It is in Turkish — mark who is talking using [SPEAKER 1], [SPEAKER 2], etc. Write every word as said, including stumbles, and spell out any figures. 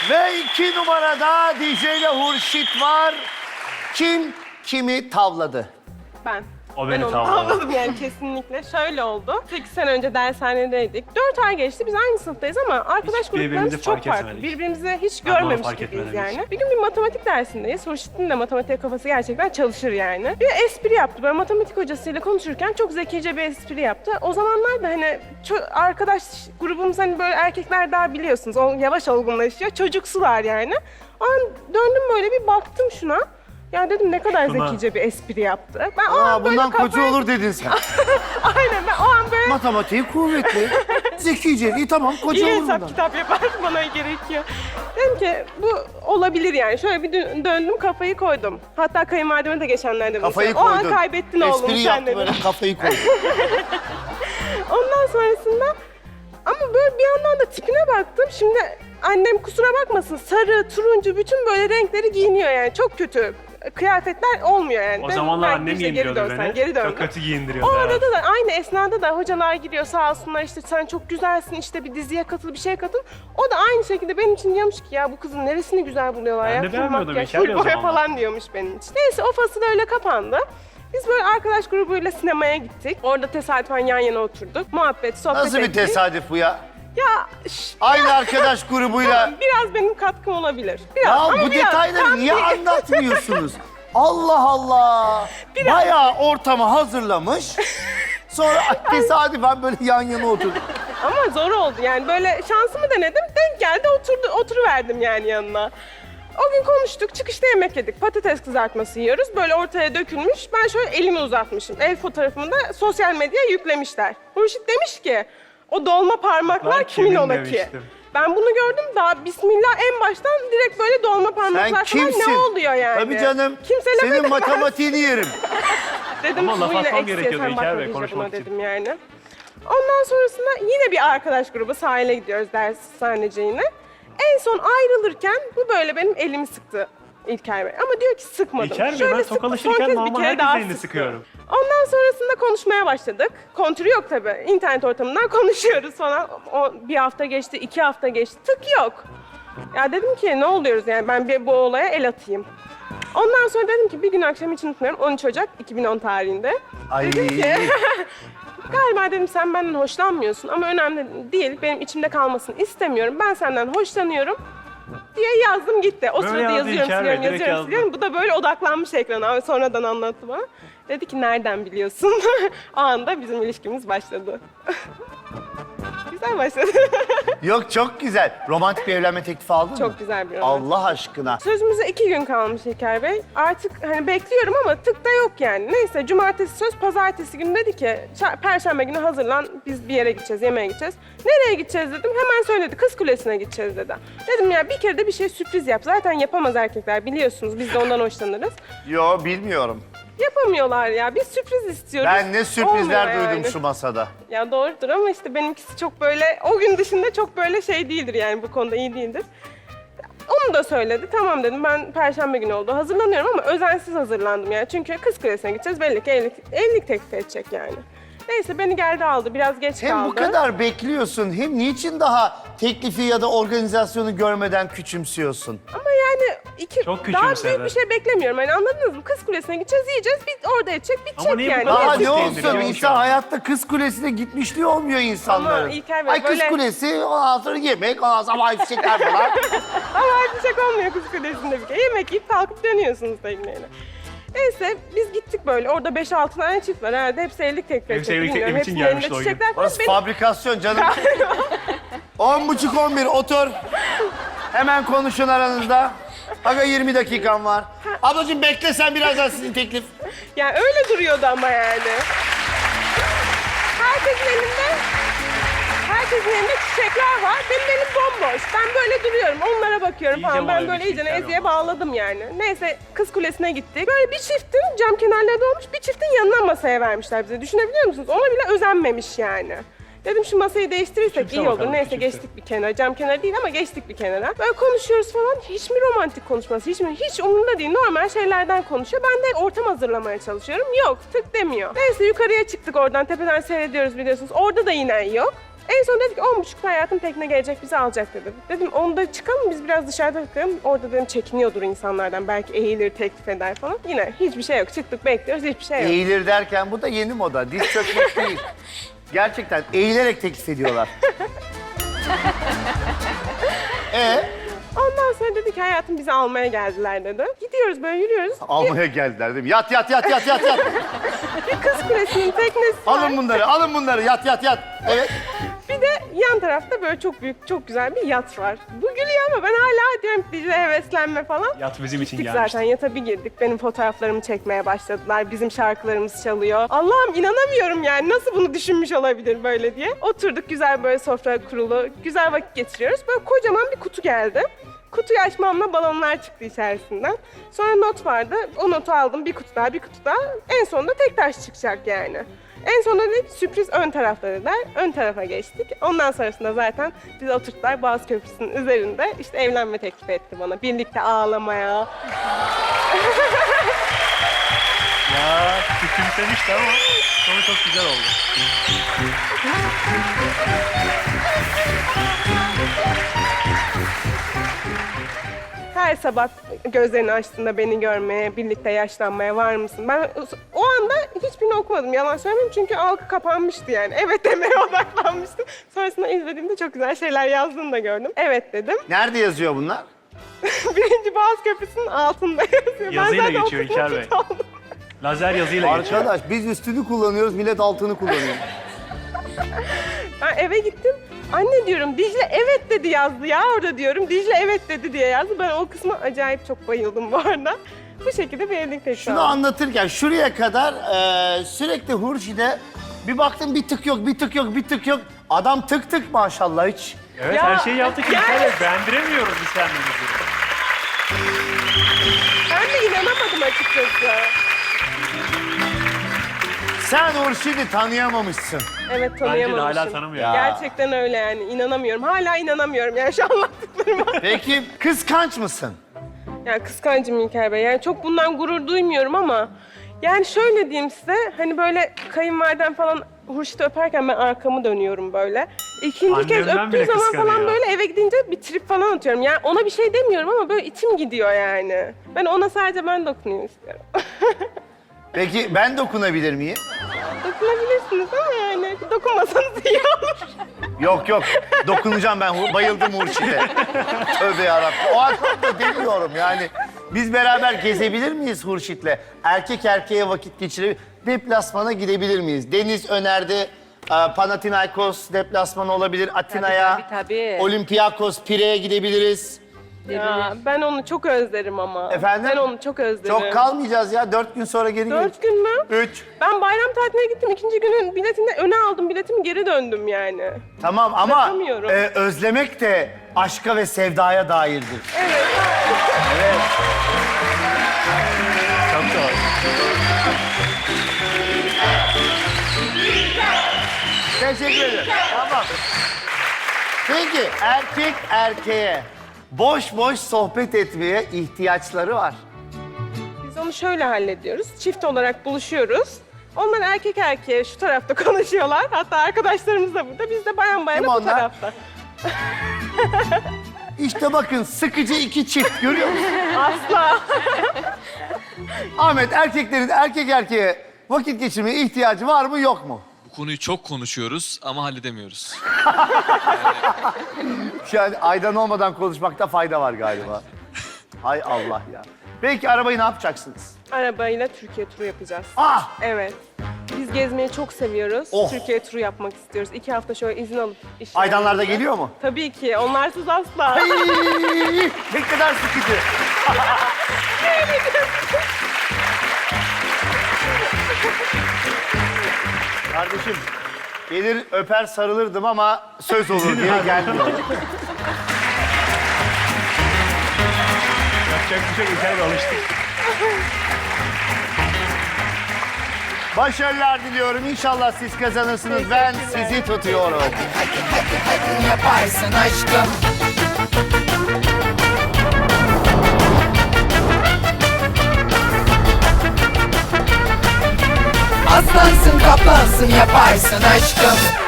[SPEAKER 1] Ve iki numarada D J ile Hurşit var. Kim kimi tavladı?
[SPEAKER 2] Ben.
[SPEAKER 3] O
[SPEAKER 2] Ben
[SPEAKER 3] beni
[SPEAKER 2] onu
[SPEAKER 3] tavladı.
[SPEAKER 2] tavladım yani kesinlikle. Şöyle oldu. sekiz sene önce dershanedeydik. dört ay geçti. Biz aynı sınıftayız ama arkadaş
[SPEAKER 3] Hiç birbirimizi
[SPEAKER 2] gruplarımız çok
[SPEAKER 3] fark
[SPEAKER 2] farklı.
[SPEAKER 3] etmedik.
[SPEAKER 2] Birbirimizi hiç
[SPEAKER 3] Ben de onu
[SPEAKER 2] görmemiş
[SPEAKER 3] fark
[SPEAKER 2] gibiyiz
[SPEAKER 3] etmedim hiç.
[SPEAKER 2] yani. Bir gün bir matematik dersindeyiz. Hurşit'in de matematik kafası gerçekten çalışır yani. Bir espri yaptı. Böyle matematik hocasıyla konuşurken çok zekice bir espri yaptı. O zamanlar da hani ço- arkadaş grubumuz hani böyle erkekler daha biliyorsunuz. O yavaş olgunlaşıyor. Çocuksular yani. O an döndüm böyle bir baktım şuna. Ya dedim ne kadar
[SPEAKER 3] Şuna.
[SPEAKER 2] zekice bir espri yaptı. Ben o
[SPEAKER 1] Aa,
[SPEAKER 2] an böyle
[SPEAKER 1] bundan koca
[SPEAKER 2] kafayı-
[SPEAKER 1] olur dedin sen.
[SPEAKER 2] Aynen ben o an böyle
[SPEAKER 1] Matematiği kuvvetli. Zekice. İyi tamam koca
[SPEAKER 2] iyi
[SPEAKER 1] olur
[SPEAKER 2] hesap
[SPEAKER 1] bundan.
[SPEAKER 2] kitap yapar bana gerekiyor. Dedim ki bu olabilir yani. Şöyle bir dö- döndüm kafayı koydum. Hatta kayınvalideme de geçenlerde bunu
[SPEAKER 1] Kafayı
[SPEAKER 2] söyledim.
[SPEAKER 1] koydun.
[SPEAKER 2] O an kaybettin oğlum
[SPEAKER 1] Espri
[SPEAKER 2] sen
[SPEAKER 1] yaptı
[SPEAKER 2] dedim.
[SPEAKER 1] böyle kafayı koydu.
[SPEAKER 2] Ondan sonrasında ama böyle bir yandan da tipine baktım. Şimdi annem kusura bakmasın sarı, turuncu bütün böyle renkleri giyiniyor yani. Çok kötü kıyafetler olmuyor yani.
[SPEAKER 3] O
[SPEAKER 2] Ben
[SPEAKER 3] zamanlar
[SPEAKER 2] belki
[SPEAKER 3] annem
[SPEAKER 2] işte geri
[SPEAKER 3] giyindiriyordu
[SPEAKER 2] dönsen,
[SPEAKER 3] beni.
[SPEAKER 2] Geri döndüm.
[SPEAKER 3] Çok kötü
[SPEAKER 2] O
[SPEAKER 3] giyindiriyordu. evet.
[SPEAKER 2] arada da aynı esnada da hocalar giriyor sağ olsunlar işte sen çok güzelsin işte bir diziye katıl bir şeye katıl. O da aynı şekilde benim için diyormuş ki ya bu kızın neresini güzel buluyorlar
[SPEAKER 3] Ben
[SPEAKER 2] ya.
[SPEAKER 3] de
[SPEAKER 2] Full
[SPEAKER 3] beğenmiyordum
[SPEAKER 2] makyaj,
[SPEAKER 3] İlker
[SPEAKER 2] full
[SPEAKER 3] Bey o
[SPEAKER 2] boya
[SPEAKER 3] zamanlar.
[SPEAKER 2] falan diyormuş benim için. Neyse o fasıl öyle kapandı. Biz böyle arkadaş grubuyla sinemaya gittik. Orada tesadüfen yan yana oturduk. Muhabbet, sohbet
[SPEAKER 1] Nasıl bir
[SPEAKER 2] ettik.
[SPEAKER 1] tesadüf bu ya?
[SPEAKER 2] Ya şş,
[SPEAKER 1] Aynı arkadaş grubuyla.
[SPEAKER 2] biraz benim katkım olabilir. Biraz,
[SPEAKER 1] Ya
[SPEAKER 2] ama
[SPEAKER 1] bu
[SPEAKER 2] biraz,
[SPEAKER 1] detayları
[SPEAKER 2] tam
[SPEAKER 1] niye
[SPEAKER 2] değil.
[SPEAKER 1] anlatmıyorsunuz? Allah Allah. Bayağı ortamı hazırlamış. Sonra tesadüfen böyle yan yana oturduk.
[SPEAKER 2] Ama zor oldu yani böyle şansımı denedim. Denk geldi oturdu, oturuverdim yani yanına. O gün konuştuk, çıkışta yemek yedik. Patates kızartması yiyoruz. Böyle ortaya dökülmüş. Ben şöyle elimi uzatmışım. El fotoğrafımı da sosyal medyaya yüklemişler. Hurşit demiş ki, o dolma parmaklar
[SPEAKER 3] Ben
[SPEAKER 2] kimin
[SPEAKER 3] kimin
[SPEAKER 2] ola ki?
[SPEAKER 3] demiştim.
[SPEAKER 2] Ben bunu gördüm daha bismillah en baştan direkt böyle dolma parmaklar
[SPEAKER 1] Sen
[SPEAKER 2] falan
[SPEAKER 1] kimsin?
[SPEAKER 2] ne oluyor yani?
[SPEAKER 1] Tabii canım.
[SPEAKER 2] Kimselemedim.
[SPEAKER 1] Senin matematiğini yerim.
[SPEAKER 2] Dedim
[SPEAKER 3] Ama laf
[SPEAKER 2] bu yine
[SPEAKER 3] atmam
[SPEAKER 2] eksiye
[SPEAKER 3] gerekiyordu
[SPEAKER 2] sen
[SPEAKER 3] İlker
[SPEAKER 2] bakma
[SPEAKER 3] Bey,
[SPEAKER 2] iyice
[SPEAKER 3] konuşmak
[SPEAKER 2] buna
[SPEAKER 3] için.
[SPEAKER 2] dedim yani. Ondan sonrasında yine bir arkadaş grubu sahile gidiyoruz dershaneciğine. En son ayrılırken bu böyle benim elimi sıktı İlker Bey. Ama diyor ki sıkmadım.
[SPEAKER 3] İlker Bey,
[SPEAKER 2] Şöyle
[SPEAKER 3] ben
[SPEAKER 2] sıktı, son
[SPEAKER 3] tokalaşırken
[SPEAKER 2] kez bir
[SPEAKER 3] normal
[SPEAKER 2] kere
[SPEAKER 3] herkesin
[SPEAKER 2] daha
[SPEAKER 3] elini
[SPEAKER 2] sıktı.
[SPEAKER 3] sıkıyorum.
[SPEAKER 2] Ondan sonrasında konuşmaya başladık. Kontürü yok tabii. İnternet ortamından konuşuyoruz falan. O bir hafta geçti, iki hafta geçti. Tık yok. Ya dedim ki ne oluyoruz yani ben bir bu olaya el atayım. Ondan sonra dedim ki bir gün akşam hiç unutmuyorum on üç Ocak iki bin on tarihinde.
[SPEAKER 1] Ay.
[SPEAKER 2] Dedim ki galiba dedim sen benden hoşlanmıyorsun ama önemli değil. Benim içimde kalmasını istemiyorum. Ben senden hoşlanıyorum diye yazdım gitti. O
[SPEAKER 3] Böyle
[SPEAKER 2] sırada
[SPEAKER 3] yazdı
[SPEAKER 2] yazıyorum,
[SPEAKER 3] İlker Bey,
[SPEAKER 2] siliyorum,
[SPEAKER 3] direkt
[SPEAKER 2] yazıyorum,
[SPEAKER 3] yazdı.
[SPEAKER 2] siliyorum. Bu da böyle odaklanmış ekrana. Sonradan anlattı bana. Dedi ki nereden biliyorsun? O anda bizim ilişkimiz başladı. Güzel başladı.
[SPEAKER 1] Yok çok güzel. Romantik bir evlenme teklifi aldın mı?
[SPEAKER 2] Çok güzel bir roman.
[SPEAKER 1] Allah aşkına.
[SPEAKER 2] Sözümüze iki gün kalmış İlker Bey. Artık hani bekliyorum ama tık da yok yani. Neyse cumartesi söz, pazartesi günü dedi ki "Ça- perşembe günü hazırlan biz bir yere gideceğiz, yemeğe gideceğiz. Nereye gideceğiz dedim. Hemen söyledi Kız Kulesi'ne gideceğiz dedi. Dedim ya bir kere de bir şey sürpriz yap. Zaten yapamaz erkekler biliyorsunuz biz de ondan hoşlanırız.
[SPEAKER 1] Yo bilmiyorum.
[SPEAKER 2] Yapamıyorlar ya. Biz sürpriz istiyoruz.
[SPEAKER 1] Ben ne sürprizler
[SPEAKER 2] Olmuyor
[SPEAKER 1] duydum
[SPEAKER 2] yani.
[SPEAKER 1] şu masada.
[SPEAKER 2] Ya doğrudur ama işte benimkisi çok böyle o gün dışında çok böyle şey değildir yani bu konuda iyi değildir. Onu da söyledi. Tamam dedim ben perşembe günü oldu. Hazırlanıyorum ama özensiz hazırlandım yani. Çünkü Kız Kulesi'ne gideceğiz. Belli ki evlilik, evlilik teklif edecek yani. Neyse beni geldi aldı. Biraz geç
[SPEAKER 1] Hem
[SPEAKER 2] kaldı.
[SPEAKER 1] bu kadar bekliyorsun hem niçin daha teklifi ya da organizasyonu görmeden küçümsüyorsun?
[SPEAKER 2] Ama yani iki,
[SPEAKER 3] Çok
[SPEAKER 2] daha
[SPEAKER 3] küçümsedi.
[SPEAKER 2] büyük bir şey beklemiyorum. Yani anladınız mı? Kız Kulesi'ne gideceğiz, yiyeceğiz. Bir orada edecek, bitecek
[SPEAKER 3] Ama niye bu
[SPEAKER 2] yani.
[SPEAKER 3] kadar
[SPEAKER 1] Daha
[SPEAKER 3] basit
[SPEAKER 1] ne olsun
[SPEAKER 3] değindiriyor şu
[SPEAKER 1] insan
[SPEAKER 3] an?
[SPEAKER 1] hayatta Kız Kulesi'ne gitmişliği olmuyor insanların.
[SPEAKER 2] Ama İlker Bey,
[SPEAKER 1] Ay Kız
[SPEAKER 2] böyle-
[SPEAKER 1] Kulesi ondan sonra yemek ondan sonra havai fişekler falan.
[SPEAKER 2] Ama artık olmuyor Kız Kulesi'nde bir kere. Yemek yiyip kalkıp dönüyorsunuz tekneyle. Neyse biz gittik böyle. Orada beş altı tane çift var herhalde. Hepsi evlilik teklif
[SPEAKER 3] Hepsi
[SPEAKER 2] edecek.
[SPEAKER 3] evlilik
[SPEAKER 2] bilmiyorum.
[SPEAKER 3] teklifi için
[SPEAKER 2] Hepsinin elinde
[SPEAKER 3] gelmişti o gün.
[SPEAKER 2] çiçekler falan.
[SPEAKER 1] Orası
[SPEAKER 2] Benim-
[SPEAKER 1] fabrikasyon canım. On buçuk on bir otur. Hemen konuşun aranızda. Aga yirmi dakikan var. Ablacığım bekle sen birazdan sizin teklif.
[SPEAKER 2] Yani öyle duruyordu ama yani. Herkesin elinde, herkesin elinde çiçekler var. Benim elim bomboş. Ben böyle duruyorum, onlara bakıyorum
[SPEAKER 3] İyice
[SPEAKER 2] falan. Ben
[SPEAKER 3] moral
[SPEAKER 2] böyle
[SPEAKER 3] düştü
[SPEAKER 2] iyice
[SPEAKER 3] İlker
[SPEAKER 2] eziye
[SPEAKER 3] ama.
[SPEAKER 2] bağladım yani. Neyse Kız Kulesi'ne gittik. Böyle bir çiftin cam kenarlarında olmuş, bir çiftin yanına masaya vermişler bize. Düşünebiliyor musunuz? Ona bile özenmemiş yani. Dedim şu masayı değiştirirsek
[SPEAKER 3] Küçümse
[SPEAKER 2] iyi olur.
[SPEAKER 3] bakalım,
[SPEAKER 2] Neyse
[SPEAKER 3] küçümse.
[SPEAKER 2] geçtik bir kenara. Cam kenarı değil ama geçtik bir kenara. Böyle konuşuyoruz falan. Hiç mi romantik konuşması? Hiç mi? Hiç umurumda değil. Normal şeylerden konuşuyor. Ben de ortam hazırlamaya çalışıyorum. Yok tık demiyor. Neyse yukarıya çıktık oradan. Tepeden seyrediyoruz biliyorsunuz. Orada da yine yok. En son dedi ki on buçukta hayatım tekne gelecek bizi alacak dedi. Dedim onda çıkalım biz biraz dışarıda takılalım. Orada dedim çekiniyordur insanlardan belki eğilir teklif eder falan. Yine hiçbir şey yok çıktık bekliyoruz hiçbir şey yok.
[SPEAKER 1] Eğilir derken bu da yeni moda. Diz çökmek değil. Gerçekten eğilerek teklif ediyorlar. Ee,
[SPEAKER 2] Ondan sonra dedi ki hayatım bizi almaya geldiler dedi. Gidiyoruz böyle yürüyoruz.
[SPEAKER 1] almaya geldiler değil mi? Yat yat yat yat yat yat.
[SPEAKER 2] Bir kız kulesinin teknesi var.
[SPEAKER 1] Alın bunları, alın bunları. Yat yat yat. Evet.
[SPEAKER 2] Bir de yan tarafta böyle çok büyük, çok güzel bir yat var. Bu gülüyor ama ben hala diyorum Dicle heveslenme falan.
[SPEAKER 3] Yat bizim için
[SPEAKER 2] Gittik
[SPEAKER 3] gelmişti.
[SPEAKER 2] zaten yata bir girdik. Benim fotoğraflarımı çekmeye başladılar. Bizim şarkılarımız çalıyor. Allah'ım inanamıyorum yani nasıl bunu düşünmüş olabilir böyle diye. Oturduk güzel böyle sofra kurulu. Güzel vakit geçiriyoruz. Böyle kocaman bir kutu geldi. Kutuyu açmamla balonlar çıktı içerisinden. Sonra not vardı. O notu aldım. Bir kutu daha, bir kutu daha. En sonunda tek taş çıkacak yani. En sonunda dedik sürpriz ön tarafta dediler. Ön tarafa geçtik. Ondan sonrasında zaten bizi oturttular Boğaz Köprüsü'nün üzerinde. İşte evlenme teklif etti bana. Birlikte ağlamaya.
[SPEAKER 3] Ya küçümsemişti ama sonu çok güzel oldu.
[SPEAKER 2] Her sabah gözlerini açtığında beni görmeye, birlikte yaşlanmaya var mısın? Ben o anda hiçbirini okumadım, yalan söylemeyeyim çünkü algı kapanmıştı yani. Evet demeye odaklanmıştım. Sonrasında izlediğimde çok güzel şeyler yazdığını da gördüm. Evet dedim.
[SPEAKER 1] Nerede yazıyor bunlar?
[SPEAKER 2] Birinci Boğaz Köprüsü'nün altında yazıyor.
[SPEAKER 3] Yazıyla
[SPEAKER 2] ben zaten
[SPEAKER 3] geçiyor İlker Bey.
[SPEAKER 2] okudum, aldım.
[SPEAKER 3] Lazer yazıyla geçiyor.
[SPEAKER 1] Arkadaş biz üstünü kullanıyoruz, millet altını kullanıyor.
[SPEAKER 2] Ben eve gittim. Anne diyorum Dicle evet dedi yazdı ya orada diyorum. Dicle evet dedi diye yazdı. Ben o kısma acayip çok bayıldım bu arada. Bu şekilde bir evlilik teklifi
[SPEAKER 1] Şunu
[SPEAKER 2] aldım.
[SPEAKER 1] anlatırken şuraya kadar e, sürekli Hurşi'de bir baktım bir tık yok, bir tık yok, bir tık yok. Adam tık tık maşallah hiç.
[SPEAKER 3] Evet
[SPEAKER 2] Ya,
[SPEAKER 3] her şeyi yaptık
[SPEAKER 2] yani-
[SPEAKER 3] İlker Bey. Beğendiremiyoruz biz kendimizi.
[SPEAKER 2] Ben de inanamadım açıkçası.
[SPEAKER 1] Sen Hurşi'ni tanıyamamışsın.
[SPEAKER 2] Evet
[SPEAKER 3] Bence de
[SPEAKER 2] tanıyamamışım.
[SPEAKER 3] hala tanımıyor.
[SPEAKER 1] Ya.
[SPEAKER 2] Gerçekten öyle yani inanamıyorum. Hala inanamıyorum yani şu anlattıklarıma.
[SPEAKER 1] Peki kıskanç mısın?
[SPEAKER 2] Yani kıskancım İlker Bey. Yani çok bundan gurur duymuyorum ama yani şöyle diyeyim size hani böyle kayınvaliden falan Hurşit'i öperken ben arkamı dönüyorum böyle. İkinci kez
[SPEAKER 3] Annemden
[SPEAKER 2] öptüğü
[SPEAKER 3] bile
[SPEAKER 2] zaman falan
[SPEAKER 3] kıskanıyor.
[SPEAKER 2] böyle eve gidince bir trip falan atıyorum. Yani ona bir şey demiyorum ama böyle içim gidiyor yani. Ben ona sadece ben dokunayım istiyorum.
[SPEAKER 1] Peki ben dokunabilir miyim?
[SPEAKER 2] Dokunabilirsiniz ama yani dokunmasanız iyi olur.
[SPEAKER 1] Yok yok, dokunacağım ben. Hu- Bayıldım Hurşit'e. Tövbe yarabbim. O aklıma demiyorum yani. Biz beraber gezebilir miyiz Hurşit'le? Erkek erkeğe vakit geçirebilir Deplasmana gidebilir miyiz? Deniz önerdi. e, Panathinaikos deplasmanı olabilir. Atina'ya.
[SPEAKER 4] tabii, tabii.
[SPEAKER 1] Olympiakos, Pire'ye gidebiliriz.
[SPEAKER 2] Ya ben onu çok özlerim ama.
[SPEAKER 1] Efendim?
[SPEAKER 2] Ben onu çok özlerim.
[SPEAKER 1] Çok kalmayacağız ya. Dört gün sonra geri
[SPEAKER 2] Dört gün mü?
[SPEAKER 1] Üç.
[SPEAKER 2] Ben bayram tatiline gittim. İkinci günün biletini öne aldım. Biletimi geri döndüm yani.
[SPEAKER 1] Tamam ama
[SPEAKER 2] Bırakamıyorum.
[SPEAKER 1] e, özlemek de aşka ve sevdaya dairdir.
[SPEAKER 2] Evet.
[SPEAKER 1] Evet.
[SPEAKER 3] Çok doğru.
[SPEAKER 1] Teşekkür ederim. Tamam. Peki erkek erkeğe boş boş sohbet etmeye ihtiyaçları var.
[SPEAKER 2] Biz onu şöyle hallediyoruz. Çift olarak buluşuyoruz. Onlar erkek erkeğe şu tarafta konuşuyorlar. Hatta arkadaşlarımız da burada. Biz de bayan
[SPEAKER 1] Kim
[SPEAKER 2] bayana bu
[SPEAKER 1] onlar?
[SPEAKER 2] tarafta.
[SPEAKER 1] İşte bakın sıkıcı iki çift görüyor musun?
[SPEAKER 2] Asla.
[SPEAKER 1] Ahmet erkeklerin erkek erkeğe vakit geçirmeye ihtiyacı var mı yok mu?
[SPEAKER 5] Bu konuyu çok konuşuyoruz ama halledemiyoruz.
[SPEAKER 1] Şu an aydan olmadan konuşmakta fayda var galiba. Hay Allah ya. Peki arabayı ne yapacaksınız?
[SPEAKER 2] Arabayla Türkiye turu yapacağız.
[SPEAKER 1] Ah!
[SPEAKER 2] Evet. Biz gezmeyi çok seviyoruz.
[SPEAKER 1] Oh.
[SPEAKER 2] Türkiye turu yapmak istiyoruz. İki hafta şöyle izin alıp iş
[SPEAKER 1] Aydanlar da
[SPEAKER 2] yerimizde.
[SPEAKER 1] geliyor mu?
[SPEAKER 2] Tabii ki. Onlarsız asla.
[SPEAKER 1] Ay, ne kadar sıkıcı. Kardeşim, gelir öper sarılırdım ama söz olur diye gelmiyor.
[SPEAKER 3] Yapacak bir şey yok İlker Bey alıştık.
[SPEAKER 1] Başarılar diliyorum. İnşallah siz kazanırsınız. Ben sizi tutuyorum.
[SPEAKER 6] Yaparsın aşkım. Aslansın kaplansın yaparsın aşkım.